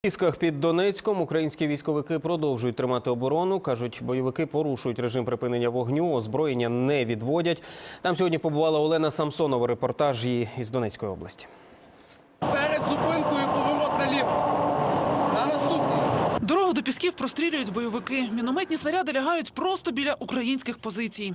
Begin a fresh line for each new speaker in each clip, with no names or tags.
У Пісках під Донецьком українські військовики продовжують тримати оборону. Кажуть, бойовики порушують режим припинення вогню, озброєння не відводять. Там сьогодні побувала Олена Самсонова, репортаж її із Донецької області.
Перед зупинкою поворот наліво. На наступний.
Дорогу до Пісків прострілюють бойовики. Мінометні снаряди лягають просто біля українських позицій.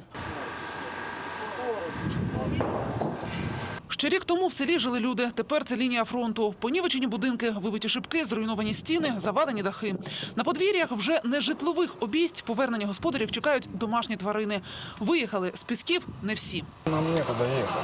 Ще рік тому в селі жили люди. Тепер це лінія фронту. Понівечені будинки, вибиті шибки, зруйновані стіни, завалені дахи. На подвір'ях вже не житлових обійсть повернення господарів чекають домашні тварини. Виїхали з Пісків не всі.
Нам некуда ехать.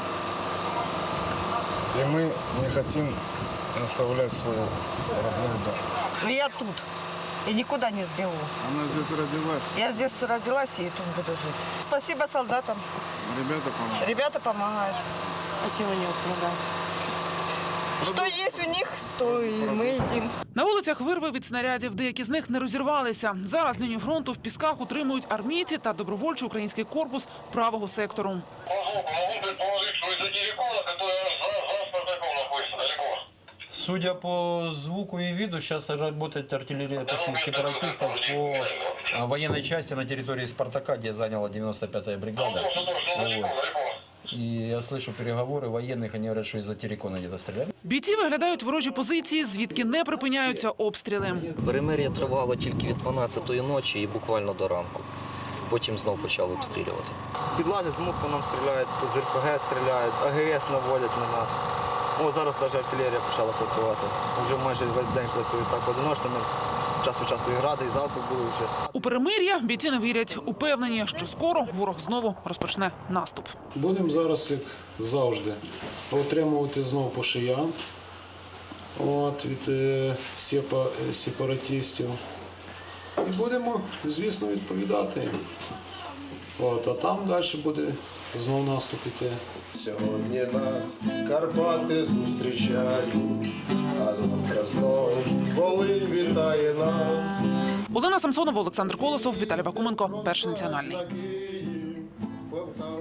И мы не хотим оставлять свой родной дом.
Я тут. И никуда не сбегу.
Она здесь родилась.
Я здесь родилась и тут буду жить. Спасибо солдатам.
Ребята помогают.
Ребята помогают.
А чего не помогают?
Что есть у них, то и мы едим.
На вулицях вирви від снарядів. Деякі з них не розірвалися. Зараз лінію фронту в Пісках утримують армійці та добровольчий український корпус правого сектору.
Могу предположить, что из-за террикона, которая за Спартаком находится далеко.
Судя по звуку и виду, сейчас работает артиллерия сепаратистов по военной части на территории Спартака, где заняла 95-я бригада. Вот. И я слышу переговоры военных, они говорят, что из-за террикона где-то стреляют.
Бійці виглядають ворожі позиції, звідки не припиняються обстріли.
Перемир'я тривало тільки від 12-ї ночі і буквально до ранку. Потім знов почали обстрілювати. Підлазять з МУК по нам стріляють, з РПГ стріляють, АГС наводять на нас. О, зараз навіть артилерія почала працювати. Вже майже весь день працюють так одиночними. Час від часу і гради, і залпи були вже.
У перемир'я бійці не вірять. Упевнені, що скоро ворог знову розпочне наступ.
Будемо зараз, як завжди, отримувати знову по шиям від сепаратистів. І будемо, звісно, відповідати їм. А там далі буде знову наступ іти.
Сьогодні нас Карпати зустрічають, а завтра знову Волинь вітає нас.
Олена Самсонова, Олександр Колосов, Віталій Бакуменко, Перший національний.